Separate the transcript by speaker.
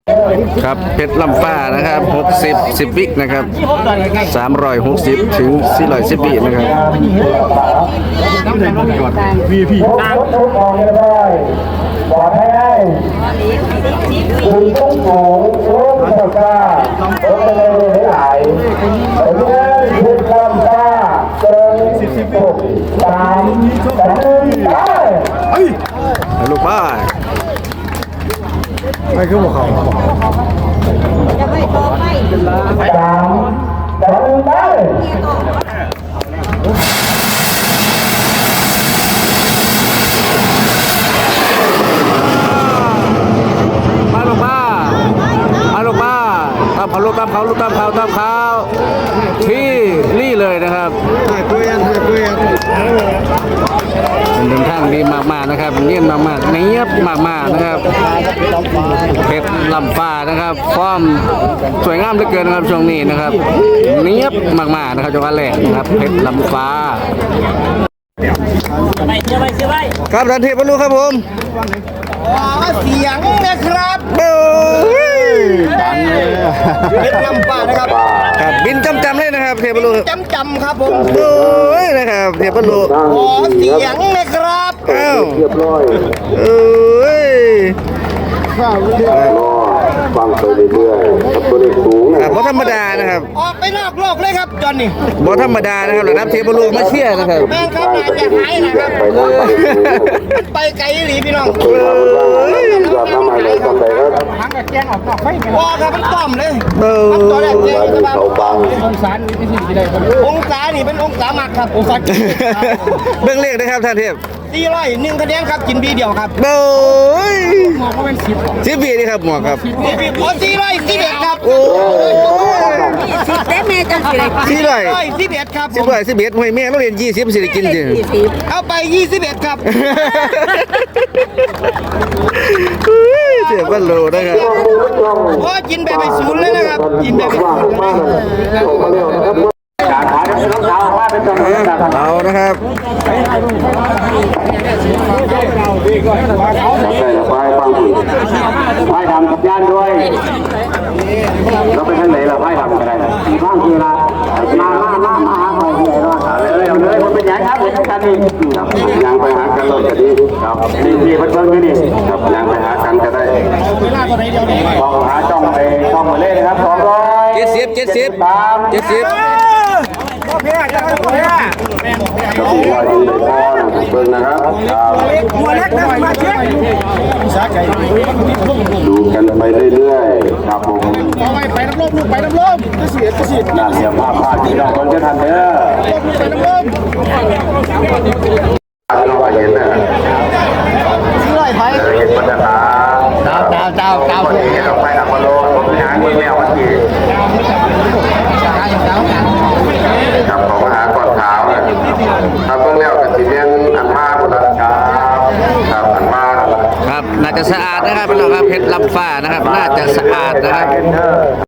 Speaker 1: ครับเพชรลำฟ้านะครับ60 10 วินะครับ360ถึง410 วินะครับ
Speaker 2: ปลอดภัยได้คุณต้องโง่รู้สึกว่าต้องเลยหลายแต่เมื่อคุณทำว่าเกิน3 2
Speaker 1: ลูกบ้า
Speaker 3: ไม่คือพวกเขา
Speaker 4: จะไม่ต่อไป
Speaker 2: 3 2 ได้
Speaker 1: มาลูกบ้าตามเขาตามเขาที่นี่เลยนะครับเป็นทางดีมากๆนะครับเนียนมากๆเนียบมากๆนะครับเพชรลำฟ้านะครับความสวยงามเหลือเกินนะครับช่วงนี้นะครับเนียบมากๆนะครับจังหวัดแรกนะครับเพชรลำฟ้าครับทันทีบรรลุครับผม
Speaker 3: เสียงนะครับเป็นลำปานะครับ
Speaker 1: ครับบินจำเลยนะครับเทพบรรลุ
Speaker 3: จำครับผม
Speaker 1: โอ้ยนะครับเทพบรรลุ
Speaker 3: ขอเสียงนะครับ
Speaker 1: อ้าว
Speaker 2: เรียบร้อย
Speaker 1: เอ้ย
Speaker 2: ฟังไปเรื่อยๆกับตัวเลขสูง
Speaker 1: ครับบ่ธรรมดานะครับ
Speaker 3: ออกไปนอกโลกเลยครับจอนนี่
Speaker 1: บ่ธรรมดานะครับระดับเทพบรรลุมาเชียร์นะครับ
Speaker 3: แม่ครับน่าจะหายนะครับไปไกลหรือพี่น้อง
Speaker 2: ยอดน้ำอะไรกันไปครับ
Speaker 3: ทั้งกับแจ้งออกนอกไฟว่าครับมันต้อมเลยตัวแรกแจ้งจะมาองศานี่เป็นสิ่งที่ได้องศานี่เป็นองศามักครับองศา
Speaker 1: เบื้องเลขนะครับท่านเทพ
Speaker 3: 401คะแนนครับกินบีเดียวครับ
Speaker 1: โอ้ย
Speaker 3: หมอกก็เป็น
Speaker 1: 10 ปีนี่ครับหมวกครับ
Speaker 3: โอ้411ครับ
Speaker 1: โอ้
Speaker 4: สิเต็มเมจังสิเลย
Speaker 3: 411ครับ
Speaker 1: 11ห้วยแม่เราเรียน20สิได้กินจริง
Speaker 3: เอาไป21ครับ
Speaker 1: เจ็บกันโลนะครับ
Speaker 3: โอ้กินแบบไปศูนย์เลยนะครับกินแบบไปศูนย์
Speaker 2: การขายรองเท้าว่าเป็นตัวนี้นะครับ
Speaker 1: เอานะครับ
Speaker 2: ใช่แล้วไปฟังดูไพ่ดำกับย่านด้วยเราไปทางไหนเราไพ่ดำกันได้บ้างคือละมาหาไปที่ไหนรอดเลยมันเป็นยังครับเป็นกันนี่ยังไปหากันรถก็ดีครับนี่เพิ่มนี่ครับยังไปหากันก็ได้ลองหาจ้องไปช่องมาเล่นนะครับ
Speaker 1: 70
Speaker 3: เพี้ยจะไม่เพี้ย
Speaker 2: เบิ่งนะครับ
Speaker 3: หัวเล็กนะมาเช็ค
Speaker 2: ดูกันไปเรื่อยๆครับผม
Speaker 3: ไปน้ำลมลูกไปน้ำลมจะเสีย
Speaker 2: น่าเสียภาพที่เราคนจะทันเด้อ
Speaker 3: ไปน้ำลม
Speaker 2: เราเห็นนะเห็นบรรยากาศเจ้าวันนี้เราไปดับมาโลผมไปหาเมืองแมววันที่ครับของมหาก่อนเท้าครับเมืองแมวกับสีเมียนอันมาบุรัชาครับอันมา
Speaker 1: ครับน่าจะสะอาดนะครับพี่น้องครับเพชรลำฟ้านะครับน่าจะสะอาดนะครับ